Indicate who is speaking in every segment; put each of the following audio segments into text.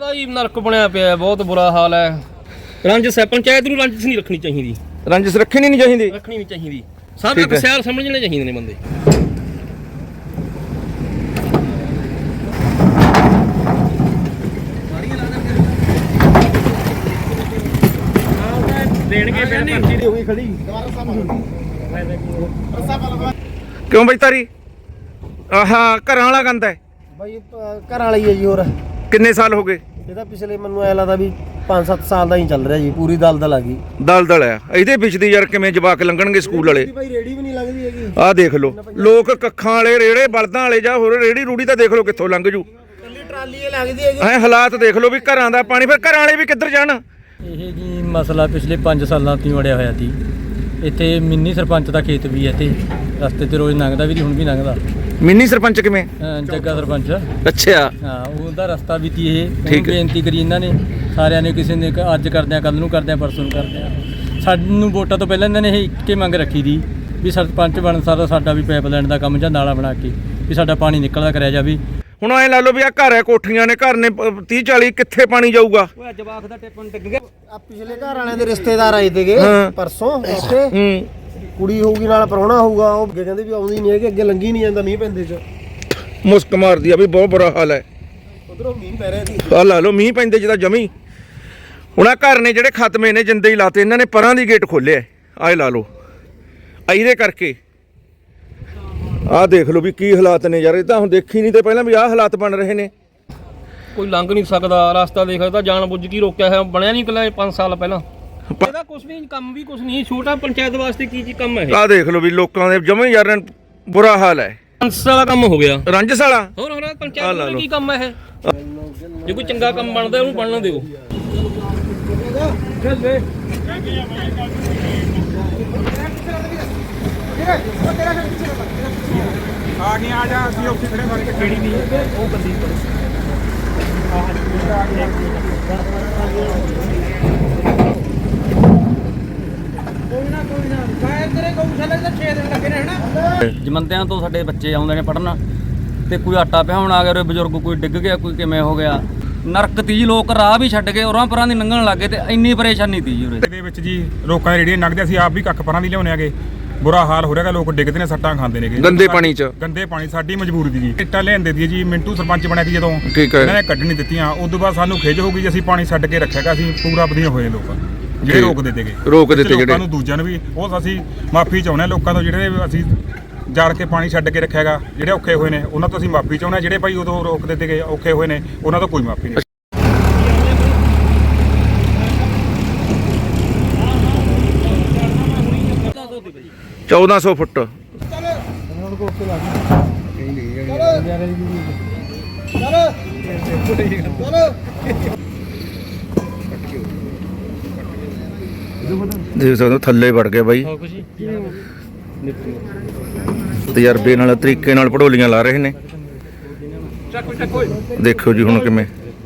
Speaker 1: ਹੀ ਨਰਕ ਬਣਿਆ ਪਿਆ, ਬਹੁਤ ਬੁਰਾ ਹਾਲ ਹੈ। ਰੰਜਸ ਹੈ, ਪੰਚਾਇਤ ਨੂੰ ਰੰਜਸ ਨਹੀਂ ਰੱਖਣੀ ਚਾਹੀਦੀ।
Speaker 2: ਰੰਜਸ ਰੱਖਣੀ ਨਹੀਂ ਚਾਹੀਦੀ,
Speaker 1: ਰੱਖਣੀ ਨਹੀਂ ਚਾਹੀਦੀ। ਸਭ ਇੱਕ ਸਿਆਰ ਸਮਝਣੇ ਚਾਹੀਦੇ ਨੇ ਬੰਦੇ। ਦੇਣਗੇ ਫਿਰ ਪਰਚੀ ਹੋ ਗਈ ਖੜੀ।
Speaker 2: ਕਿਉਂ ਬਈ ਤਾਰੀ ਆਹਾ ਘਰਾਂ ਵਾਲਾ ਗੰਦ ਹੈ
Speaker 3: ਬਾਈ, ਘਰ ਵਾਲਾ ਹੀ ਹੈ ਜੀ। ਹੋਰ
Speaker 2: ਕਿੰਨੇ ਸਾਲ ਹੋ ਗਏ?
Speaker 3: ਇਹਦਾ ਪਿਛਲੇ ਮੈਨੂੰ ਐ ਲੱਗਦਾ ਵੀ 5-7 ਸਾਲ ਦਾ ਹੀ ਚੱਲ ਰਿਹਾ ਜੀ। ਪੂਰੀ ਦਲਦਲ ਆ ਗਈ।
Speaker 2: ਦਲਦਲ ਆ ਇਹਦੇ ਵਿੱਚ ਦੀ ਯਾਰ। ਕਿਵੇਂ ਜਵਾਕ ਲੰਘਣਗੇ ਸਕੂਲ ਵਾਲੇ?
Speaker 3: ਬਾਈ ਰੇੜੀ ਵੀ ਨਹੀਂ ਲੱਗਦੀ ਹੈਗੀ।
Speaker 2: ਆਹ ਦੇਖ ਲਓ, ਲੋਕ ਕੱਖਾਂ ਵਾਲੇ ਰੇੜੇ ਬਲਦਾਂ ਵਾਲੇ ਜਾਂ ਹੋਰ ਰੇੜੀ ਰੂੜੀ ਤਾਂ ਦੇਖ ਲਓ ਕਿੱਥੋਂ ਲੰਘ ਜੂ।
Speaker 3: ਕੱਲੀ ਟਰਾਲੀ ਇਹ ਲੱਗਦੀ ਹੈਗੀ।
Speaker 2: ਐ ਹਾਲਾਤ ਦੇਖ ਲਓ ਵੀ ਘਰਾਂ ਦਾ ਪਾਣੀ, ਫਿਰ ਘਰਾਂ ਵਾਲੇ ਵੀ ਕਿੱਧਰ ਜਾਣ?
Speaker 4: ਇਹ ਜੀ ਮਸਲਾ ਪਿਛਲੇ 5 ਸਾਲਾਂ ਤੋਂ ਵੜਿਆ ਹੋਇਆ ਸੀ। ਇੱਥੇ ਮਿੰਨੀ ਸਰਪੰਚ ਦਾ ਖੇਤ ਵੀ ਹੈ ਤੇ ਰਸਤੇ ਤੇ ਰੋਜ਼ ਲੰਘਦਾ ਵੀ, ਹੁਣ ਵੀ ਲੰਘਦਾ।
Speaker 2: ਮਿੰਨੀ ਸਰਪੰਚ ਕਿਵੇਂ?
Speaker 4: ਜੱਗਾ ਸਰਪੰਚ।
Speaker 2: ਅੱਛਾ
Speaker 4: ਹਾਂ, ਉਹਦਾ ਰਸਤਾ ਵੀ ਤੀ ਇਹ। ਹੁਣ ਬੇਨਤੀ ਕਰੀ ਇਹਨਾਂ ਨੇ ਸਾਰਿਆਂ ਨੇ, ਕਿਸੇ ਨੇ ਅੱਜ ਕਰਦੇ ਆ, ਕੱਲ ਨੂੰ ਕਰਦੇ ਆ, ਪਰਸੋਂ ਨੂੰ ਕਰਦੇ ਆ। ਸਾਨੂੰ ਵੋਟਾਂ ਤੋਂ ਪਹਿਲਾਂ ਇਹਨਾਂ ਨੇ ਇਹ ਇੱਕੇ ਮੰਗ ਰੱਖੀ ਦੀ ਵੀ ਸਰਪੰਚ ਬਣਨ ਸਾਰਾ ਸਾਡਾ ਵੀ ਪਾਈਪ ਲਾਈਨ ਦਾ ਕੰਮ ਜਾਂ ਨਾਲਾ ਬਣਾ ਕੇ ਵੀ ਸਾਡਾ ਪਾਣੀ ਨਿਕਲਦਾ ਕਰਿਆ ਜਾਵੇ।
Speaker 2: ਹੁਣ ਐ ਲਾ ਲਓ ਵੀ ਆ ਘਰ ਹੈ, ਕੋਠੀਆਂ ਨੇ, ਘਰ ਨੇ 30-40, ਕਿੱਥੇ ਪਾਣੀ ਜਾਊਗਾ?
Speaker 1: ਓਏ ਜਵਾਕ ਦਾ ਟਿੱਪਣ ਡਿੱਗ ਗਿਆ।
Speaker 3: ਆ ਪਿਛਲੇ ਘਰ ਵਾਲਿਆਂ ਦੇ ਰਿਸ਼ਤੇਦਾਰ ਆਏ ਤੇਗੇ ਪਰਸੋਂ ਇੱਥੇ। ਕੁੜੀ ਹੋਊਗੀ ਨਾਲ ਪ੍ਰਾਹੁਣਾ ਹੋਊਗਾ। ਉਹ ਅੱਗੇ ਕਹਿੰਦੇ ਵੀ ਆਉਂਦੀ ਨਹੀਂ ਹੈਗੀ, ਅੱਗੇ ਲੰਘੀ ਨਹੀਂ ਜਾਂਦਾ ਮੀਂਹ ਪੈਂਦੇ ਚ।
Speaker 2: ਮੁਸਕ ਮਾਰਦੀ ਆ ਵੀ ਬਹੁਤ ਬੁਰਾ ਹਾਲ ਹੈ।
Speaker 3: ਉਧਰੋਂ ਮੀਂਹ ਪੈ ਰਿਹਾ ਸੀ।
Speaker 2: ਆ ਲਾ ਲਓ ਮੀਂਹ ਪੈਂਦੇ ਜਿਹਦਾ ਜਮੀ। ਹੁਣ ਆ ਘਰ ਨੇ ਜਿਹੜੇ ਖਤਮੇ ਨੇ, ਜਿੰਦੇ ਹੀ ਲਾਤੇ ਇਹਨਾਂ ਨੇ, ਪਰਾਂ ਦੀ ਗੇਟ ਖੋਲਿਆ। ਆਹ ਲਾ ਲਓ ਇਹਦੇ ਕਰਕੇ। ਆਹ ਦੇਖ ਲਓ ਵੀ ਕੀ ਹਾਲਾਤ ਨੇ ਯਾਰ। ਇਹ ਤਾਂ ਹੁਣ ਦੇਖੀ ਨਹੀਂ ਤੇ ਪਹਿਲਾਂ ਵੀ ਆਹ ਹਾਲਾਤ ਬਣ ਰਹੇ ਨੇ।
Speaker 1: ਕੋਈ ਲੰਘ ਨਹੀਂ ਸਕਦਾ ਰਸਤਾ। ਦੇਖ ਤਾਂ ਜਾਣ ਬੁੱਝ ਕੇ ਰੋਕਿਆ ਹੈ, ਬਣਿਆ ਨਹੀਂ ਕੱਲਾ 5 ਸਾਲ ਪਹਿਲਾਂ। ਇਹਦਾ ਕੁਝ ਵੀ ਕੰਮ ਵੀ ਕੁਝ ਨਹੀਂ। ਛੋਟਾ ਪੰਚਾਇਤ ਵਾਸਤੇ ਕੀ ਕੰਮ ਹੈ ਇਹ?
Speaker 2: ਆਹ ਦੇਖ ਲਓ ਵੀ ਲੋਕਾਂ ਦੇ ਜਮੇ ਯਾਰ ਬੁਰਾ ਹਾਲ ਹੈ।
Speaker 1: ਰੰਜਸ ਵਾਲਾ ਕੰਮ ਹੋ ਗਿਆ।
Speaker 2: ਰੰਜਸ ਵਾਲਾ
Speaker 1: ਹੋਰ ਪੰਚਾਇਤ ਦਾ ਕੀ ਕੰਮ ਹੈ ਇਹ? ਜੇ ਕੋਈ ਚੰਗਾ ਕੰਮ ਬਣਦਾ ਉਹਨੂੰ ਬਣਨ ਦਿਓ।
Speaker 5: ਆ ਨਹੀਂ ਆ ਜਾ, ਅਸੀਂ ਉੱਥੇ ਖੜੇ ਮਾਰ ਕੇ ਕਿਹੜੀ ਨਹੀਂ ਉਹ ਬੰਦੀ
Speaker 4: ਜਮੰਦਿਆਂ ਤੋਂ ਸਾਡੇ ਬੱਚੇ ਆਉਂਦੇ ਨੇ ਪੜ੍ਹਨ, ਤੇ ਕੋਈ ਆਟਾ ਪਿਹਾਉਣ ਆ ਗਿਆ, ਉਰੇ ਬਜ਼ੁਰਗ ਕੋਈ ਡਿੱਗ ਗਿਆ, ਕੋਈ ਕਿਵੇਂ ਹੋ ਗਿਆ। ਨਰਕ ਤੀ ਲੋਕ ਰਾਹ ਵੀ ਛੱਡ ਕੇ ਉਰਾਂ ਪਰਾਂ ਦੀ ਲੰਘਣ ਲੱਗੇ ਤੇ ਇੰਨੀ ਪਰੇਸ਼ਾਨੀ ਤੀ ਜੀ ਉਰੇ
Speaker 5: ਦੇ ਵਿੱਚ ਜੀ। ਲੋਕਾਂ ਦੀ ਰੇੜੀਆਂ ਲੰਘਦੇ, ਅਸੀਂ ਆਪ ਵੀ ਕੱਖ ਪਰਾਂ ਦੀ ਲਿਆਉਣੇ ਆਗੇ। ਬੁਰਾ ਹਾਲ ਹੋ ਰਿਹਾਗਾ, ਲੋਕ ਡਿੱਗਦੇ ਨੇ, ਸੱਟਾਂ ਖਾਂਦੇ ਨੇਗੇ
Speaker 2: ਗੰਦੇ ਪਾਣੀ 'ਚ।
Speaker 5: ਗੰਦੇ ਪਾਣੀ ਸਾਡੀ ਮਜਬੂਰੀ ਦੀ ਜੀ। ਇੱਟਾਂ ਲਿਆਂਦੇ ਦੀ ਜੀ। ਮਿੰਟੂ ਸਰਪੰਚ ਬਣਿਆ ਸੀ ਜਦੋਂ,
Speaker 2: ਠੀਕ ਹੈ,
Speaker 5: ਇਹਨਾਂ ਨੇ ਕੱਢ ਨਹੀਂ ਦਿੱਤੀਆਂ। ਉਸ ਤੋਂ ਬਾਅਦ ਸਾਨੂੰ ਖਿਜ ਹੋ ਗਈ ਜੀ, ਅਸੀਂ ਪਾਣੀ ਛੱਡ ਕੇ ਰੱਖਿਆਗਾ। ਅਸੀਂ ਪੂਰਾ ਵਧੀਆ ਹੋਏ ਲੋਕ ਜਿਹੜੇ ਰੋਕ ਦਿੱਤੇ ਗਏ,
Speaker 2: ਜਿਹੜੇ
Speaker 5: ਲੋਕਾਂ ਨੂੰ ਦੂਜਿਆਂ ਨੂੰ ਵੀ। ਉਹ ਅਸੀਂ ਮਾਫੀ ਚਾਹੁੰਦੇ ਹਾਂ ਲੋਕਾਂ ਤੋਂ, ਜਿਹੜੇ ਅਸੀਂ ਜਾਣ ਕੇ ਪਾਣੀ ਛੱਡ ਕੇ ਰੱਖਿਆਗਾ। ਜਿਹੜੇ ਔਖੇ ਹੋਏ ਨੇ ਉਹਨਾਂ ਤੋਂ ਅਸੀਂ ਮਾਫੀ ਚਾਹੁੰਦੇ ਹਾਂ। ਜਿਹੜੇ ਭਾਈ ਉਦੋਂ ਰੋਕ ਦਿੱਤੇ ਗਏ, ਔਖੇ ਹੋਏ ਨੇ, ਉਹਨਾਂ ਤੋਂ ਕੋਈ ਮਾਫੀ ਨਹੀਂ।
Speaker 2: 1400 ਫੁੱਟ। ਦੇਖ ਸਕਦੇ ਹੋ ਥੱਲੇ ਵੜ ਗਿਆ ਬਾਈ। ਤਜਰਬੇ ਨਾਲ, ਤਰੀਕੇ ਨਾਲ ਪੜੋਲੀਆਂ ਲਾ ਰਹੇ ਨੇ। ਦੇਖੋ ਜੀ ਹੁਣ ਕਿਵੇਂ।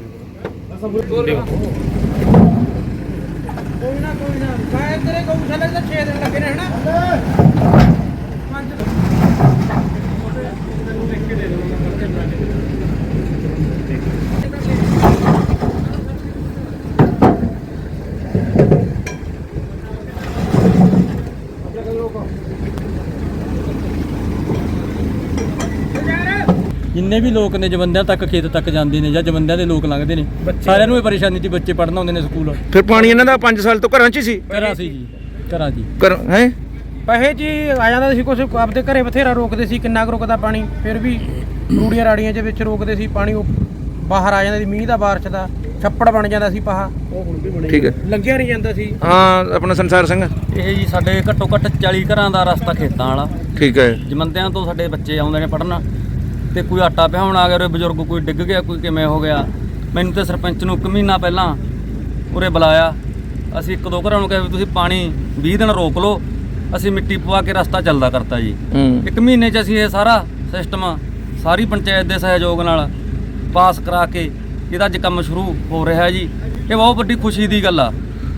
Speaker 4: ਜਿੰਨੇ ਵੀ ਲੋਕ ਨੇ ਜਮੰਦਿਆਂ ਤੱਕ, ਖੇਤ ਤੱਕ ਜਾਂਦੇ ਨੇ ਜਾਂ ਜਮੰਦਿਆਂ ਦੇ ਲੋਕ ਲੰਘਦੇ ਨੇ, ਸਾਰਿਆਂ ਨੂੰ ਇਹ ਪਰੇਸ਼ਾਨੀ ਸੀ। ਬੱਚੇ ਪੜ੍ਹਨ ਆਉਂਦੇ ਨੇ ਸਕੂਲ।
Speaker 2: ਫਿਰ ਪਾਣੀ ਇਹਨਾਂ ਦਾ 5 ਸਾਲ ਤੋਂ ਘਰਾਂ 'ਚ ਹੀ ਸੀ।
Speaker 4: ਘਰਾਂ ਸੀ ਜੀ, ਘਰਾਂ ਜੀ।
Speaker 2: ਹੈ
Speaker 3: ਪੈਸੇ ਜੀ ਆ ਜਾਂਦਾ ਸੀ। ਕੁਛ ਆਪਦੇ ਘਰੇ ਬਥੇਰਾ ਰੋਕਦੇ ਸੀ। ਕਿੰਨਾ ਕੁ ਰੁਕਦਾ ਪਾਣੀ? ਫਿਰ ਵੀ ਰੂੜੀਆਂ ਰਾੜੀਆਂ ਦੇ ਵਿੱਚ ਰੋਕਦੇ ਸੀ ਪਾਣੀ। ਉਹ ਬਾਹਰ ਆ ਜਾਂਦਾ ਸੀ ਮੀਂਹ ਦਾ, ਬਾਰਿਸ਼ ਦਾ, ਛੱਪੜ ਬਣ ਜਾਂਦਾ ਸੀ ਪਾਹਾ।
Speaker 2: ਠੀਕ ਹੈ,
Speaker 3: ਲੰਘਿਆ ਨਹੀਂ ਜਾਂਦਾ ਸੀ।
Speaker 2: ਹਾਂ ਆਪਣਾ ਸੰਸਾਰ ਸਿੰਘ।
Speaker 4: ਇਹ ਜੀ ਸਾਡੇ ਘੱਟੋ ਘੱਟ 40 ਘਰਾਂ ਦਾ ਰਸਤਾ ਖੇਤਾਂ ਵਾਲਾ।
Speaker 2: ਠੀਕ ਹੈ।
Speaker 4: ਜਮੰਦਿਆਂ ਤੋਂ ਸਾਡੇ ਬੱਚੇ ਆਉਂਦੇ ਨੇ ਪੜ੍ਹਨ, ਤੇ ਕੋਈ ਆਟਾ ਪਿਹਾਉਣ ਆ ਗਿਆ, ਉਰੇ ਬਜ਼ੁਰਗ ਕੋਈ ਡਿੱਗ ਗਿਆ, ਕੋਈ ਕਿਵੇਂ ਹੋ ਗਿਆ। ਮੈਨੂੰ ਤੇ ਸਰਪੰਚ ਨੂੰ 1 ਮਹੀਨਾ ਪਹਿਲਾਂ ਉਰੇ ਬੁਲਾਇਆ। ਅਸੀਂ 1-2 ਘਰਾਂ ਨੂੰ ਕਿਹਾ ਵੀ ਤੁਸੀਂ ਪਾਣੀ 20 ਦਿਨ ਰੋਕ ਲਓ, ਅਸੀਂ ਮਿੱਟੀ ਪਵਾ ਕੇ ਰਸਤਾ ਚੱਲਦਾ ਕਰਤਾ ਜੀ। 1 ਮਹੀਨੇ 'ਚ ਅਸੀਂ ਇਹ ਸਾਰਾ ਸਿਸਟਮ ਸਾਰੀ ਪੰਚਾਇਤ ਦੇ ਸਹਿਯੋਗ ਨਾਲ ਪਾਸ ਕਰਾ ਕੇ ਇਹਦਾ ਅੱਜ ਕੰਮ ਸ਼ੁਰੂ ਹੋ ਰਿਹਾ ਜੀ। ਇਹ ਬਹੁਤ ਵੱਡੀ ਖੁਸ਼ੀ ਦੀ ਗੱਲ ਆ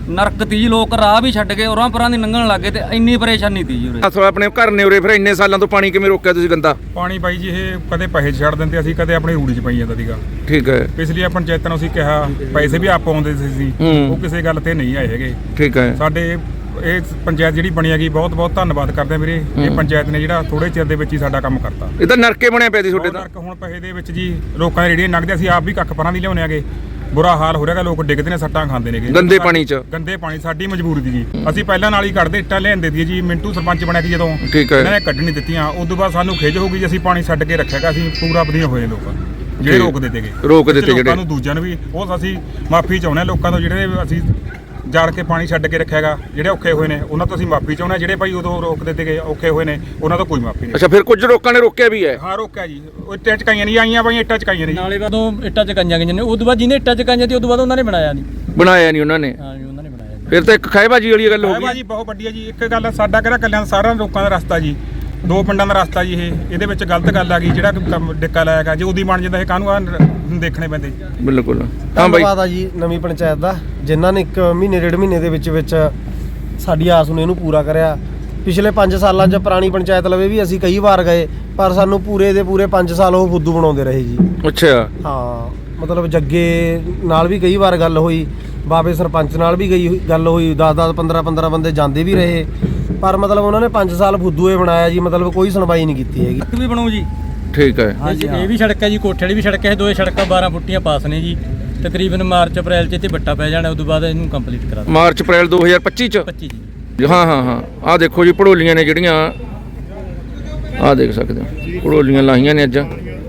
Speaker 4: ਨਰਕ ਤੀ ਜੀ, ਲੋਕ ਰਾਹ ਵੀ ਛੱਡ ਕੇ ਉਰਾਂ ਪਰਾਂ ਦੀ ਲੰਘਣ ਲੱਗੇ ਤੇ ਇੰਨੀ ਪਰੇਸ਼ਾਨੀ ਤੀ ਜੀ ਉਰੇ।
Speaker 2: ਅਸਲ ਆਪਣੇ ਘਰ ਨੇ ਉਰੇ, ਫਿਰ ਇੰਨੇ ਸਾਲਾਂ ਤੋਂ ਪਾਣੀ ਕਿਵੇਂ ਰੋਕਿਆ ਤੁਸੀਂ ਗੰਦਾ?
Speaker 5: ਪਾਣੀ ਬਾਈ ਜੀ ਇਹ ਕਦੇ ਪੈਸੇ 'ਚ ਛੱਡ ਦਿੰਦੇ ਅਸੀਂ, ਕਦੇ ਆਪਣੀ ਰੂੜੀ 'ਚ ਪਈ ਜਾਂਦਾ ਸੀਗਾ।
Speaker 2: ਠੀਕ ਹੈ,
Speaker 5: ਪਿਛਲੀ ਪੰਚਾਇਤਾਂ ਨੂੰ ਅਸੀਂ ਕਿਹਾ, ਪੈਸੇ ਵੀ ਆਪ ਆਉਂਦੇ ਸੀ, ਉਹ ਕਿਸੇ ਗੱਲ ਤੇ ਨਹੀਂ ਆਏ ਹੈਗੇ।
Speaker 2: ਠੀਕ ਹੈ।
Speaker 5: ਸਾਡੇ ਇਹ ਪੰਚਾਇਤ ਜਿਹੜੀ ਬਣੀ ਹੈਗੀ, ਬਹੁਤ ਬਹੁਤ ਧੰਨਵਾਦ ਕਰਦੇ ਆ ਵੀਰੇ। ਇਹ ਪੰਚਾਇਤ ਨੇ ਜਿਹੜਾ ਥੋੜੇ ਚਿਰ ਦੇ ਵਿੱਚ ਹੀ ਸਾਡਾ ਕੰਮ ਕਰਤਾ।
Speaker 2: ਇਹ ਤਾਂ ਨਰਕੇ ਬਣਿਆ ਪਿਆ ਸੀ ਤੁਹਾਡੇ ਤਾਂ।
Speaker 5: ਹੁਣ ਪੈਸੇ ਦੇ ਵਿੱਚ ਜੀ ਲੋਕਾਂ ਦੇ ਰੇੜੀਆਂ ਨਗਦੇ, ਅਸੀਂ ਆਪ ਵੀ ਕੱਖ ਪਰਾਂ ਦੀ ਲਿਆਉਣੇ ਆਗੇ। ਬੁਰਾ ਹਾਲ ਹੋ ਰਿਹਾਗਾ, ਲੋਕ ਡਿੱਗਦੇ ਨੇ, ਸੱਟਾਂ ਖਾਂਦੇ ਨੇਗੇ
Speaker 2: ਗੰਦੇ ਪਾਣੀ 'ਚ।
Speaker 5: ਗੰਦੇ ਪਾਣੀ ਸਾਡੀ ਮਜਬੂਰੀ ਦੀ ਜੀ। ਅਸੀਂ ਪਹਿਲਾਂ ਨਾਲ ਹੀ ਕੱਢਦੇ, ਇੱਟਾਂ ਲਿਆਂਦੇ ਦੀ ਜੀ। ਮਿੰਟੂ ਸਰਪੰਚ ਬਣਿਆ ਸੀ ਜਦੋਂ,
Speaker 2: ਠੀਕ ਹੈ।
Speaker 5: ਇਹਨਾਂ ਨੇ ਕੱਢ ਨਹੀਂ ਦਿੱਤੀਆਂ। ਉਸ ਤੋਂ ਬਾਅਦ ਸਾਨੂੰ ਖਿਜ ਹੋ ਗਈ ਜੀ, ਅਸੀਂ ਪਾਣੀ ਛੱਡ ਕੇ ਰੱਖਿਆਗਾ। ਅਸੀਂ ਪੂਰਾ ਵਧੀਆ ਹੋਏ ਲੋਕ ਜਿਹੜੇ ਰੋਕ ਦਿੱਤੇ ਗਏ,
Speaker 2: ਜਿਹੜੇ
Speaker 5: ਲੋਕਾਂ ਨੂੰ ਦੂਜਿਆਂ ਨੂੰ ਵੀ ਉਹ ਅਸੀਂ ਮਾਫੀ ਚਾਹੁੰਦੇ ਹਾਂ ਲੋਕਾਂ ਤੋਂ, ਜਿਹੜੇ ਅਸੀਂ ਜਾੜ ਕੇ ਪਾਣੀ ਛੱਡ ਕੇ ਰੱਖਿਆਗਾ। ਜਿਹੜੇ ਔਖੇ ਹੋਏ ਨੇ ਉਹਨਾਂ ਤੋਂ ਅਸੀਂ ਮਾਫੀ ਚਾਹੁੰਦੇ ਹਾਂ। ਜਿਹੜੇ ਭਾਈ ਉਦੋਂ ਰੋਕ ਦਿੱਤੇ ਗਏ ਔਖੇ ਹੋਏ ਨੇ ਉਹਨਾਂ ਤੋਂ ਕੋਈ ਮਾਫੀ ਨਹੀਂ।
Speaker 2: ਅੱਛਾ, ਫਿਰ ਕੁਝ ਲੋਕਾਂ ਨੇ ਰੋਕਿਆ ਵੀ ਹੈ?
Speaker 5: ਹਾਂ ਰੋਕਿਆ ਜੀ, ਉਹ ਇੱਟਾਂ ਚਕਾਈਆਂ ਨਹੀਂ ਆਈਆਂ ਬਾਈ, ਇੱਟਾਂ ਚਕਾਈਆਂ ਨਹੀਂ।
Speaker 4: ਨਾਲੇ ਬਾਦੋਂ ਇੱਟਾਂ ਚਕਾਈਆਂ ਗਈਆਂ ਨੇ, ਉਸ ਤੋਂ ਬਾਅਦ ਜਿਹਨੇ ਇੱਟਾਂ ਚਕਾਈਆਂ ਤੇ ਉਸ ਤੋਂ ਬਾਅਦ ਉਹਨਾਂ ਨੇ ਬਣਾਇਆ ਨਹੀਂ।
Speaker 2: ਬਣਾਇਆ ਨਹੀਂ ਉਹਨਾਂ ਨੇ?
Speaker 4: ਹਾਂ ਜੀ, ਉਹਨਾਂ ਨੇ ਬਣਾਇਆ।
Speaker 2: ਫਿਰ ਤਾਂ ਇੱਕ ਖਾਏਬਾਜੀ ਵਾਲੀ ਗੱਲ ਹੋ ਗਈ।
Speaker 5: ਜੀ ਬਹੁਤ ਵੱਡੀ ਹੈ ਜੀ। ਇੱਕ ਗੱਲ ਸਾਡਾ ਕਿਹੜਾ ਕੱਲਿਆਂ ਸਾਰਿਆਂ ਲੋਕਾਂ ਦਾ ਰਸਤਾ ਜੀ, 2 ਪਿੰਡਾਂ ਦਾ ਰਸਤਾ ਜੀ। ਇਹਦੇ ਵਿੱਚ ਗਲਤ ਗੱਲ ਆ ਗਈ, ਜਿਹੜਾ ਡਿੱਕਾ ਲਾਇਆਗਾ ਜੇ ਉਹਦੀ ਬਣ ਜਾਂਦਾ ਇਹ ਕਾਹਨੂੰ ਆ ਦੇਖਣੇ ਪੈਂਦੇ।
Speaker 2: ਬਿਲਕੁਲ। ਹਾਂ ਬਾਈ,
Speaker 6: ਧੰਨਵਾਦ ਆ ਜੀ ਨਵੀਂ ਪੰਚਾਇਤ ਦਾ, ਜਿਨ੍ਹਾਂ ਨੇ 1 ਮਹੀਨੇ 1.5 ਮਹੀਨੇ ਦੇ ਵਿੱਚ ਸਾਡੀ ਆਸ ਨੂੰ ਇਹਨੂੰ ਪੂਰਾ ਕਰਿਆ। ਪਿਛਲੇ 5 ਸਾਲਾਂ 'ਚ ਪੁਰਾਣੀ ਪੰਚਾਇਤ ਲਵੇ ਵੀ ਅਸੀਂ ਕਈ ਵਾਰ ਗਏ, ਪਰ ਸਾਨੂੰ ਪੂਰੇ ਦੇ ਪੂਰੇ 5 ਸਾਲ ਉਹ ਫੁੱਦੂ ਬਣਾਉਂਦੇ ਰਹੇ ਜੀ।
Speaker 2: ਅੱਛਾ।
Speaker 6: ਹਾਂ, ਮਤਲਬ ਜੱਗੇ ਨਾਲ ਵੀ ਕਈ ਵਾਰ ਗੱਲ ਹੋਈ, ਬਾਬੇ ਸਰਪੰਚ ਨਾਲ ਵੀ ਗੱਲ ਹੋਈ, 10-10 15-15 ਬੰਦੇ ਜਾਂਦੇ ਵੀ ਰਹੇ, ਪਰ ਮਤਲਬ ਉਹਨਾਂ ਨੇ 5 ਸਾਲ ਫੁੱਦੂਏ ਬਣਾਇਆ ਜੀ। ਮਤਲਬ ਕੋਈ ਸੁਣਵਾਈ ਨਹੀਂ ਕੀਤੀ ਹੈਗੀ।
Speaker 4: ਸੜਕ ਵੀ ਬਣੂ ਜੀ।
Speaker 2: ਠੀਕ ਹੈ।
Speaker 4: ਹਾਂਜੀ, ਇਹ ਵੀ ਸੜਕ ਹੈ ਜੀ, ਕੋਠੇ ਵਾਲੀ ਵੀ ਸੜਕ ਹੈ। ਦੋਏ ਸੜਕਾਂ 12 ਫੁੱਟੀਆਂ ਪਾਸ ਨੇ ਜੀ। ਤਕਰੀਬਨ ਮਾਰਚ ਅਪ੍ਰੈਲ 'ਚ ਇੱਥੇ ਵੱਟਾ ਪੈ ਜਾਣਾ, ਉਸ ਤੋਂ ਬਾਅਦ ਇਹਨੂੰ ਕੰਪਲੀਟ ਕਰਾ ਦਾਂਗੇ।
Speaker 2: ਮਾਰਚ ਅਪ੍ਰੈਲ 2025 ਚ?
Speaker 4: 25 ਜੀ।
Speaker 2: ਹਾਂ ਹਾਂ ਹਾਂ। ਆਹ ਦੇਖੋ ਜੀ, ਭੜੋਲੀਆਂ ਨੇ ਜਿਹੜੀਆਂ, ਆਹ ਦੇਖ ਸਕਦੇ ਹੋ, ਭੜੋਲੀਆਂ ਲਾਹੀਆਂ ਨੇ ਅੱਜ।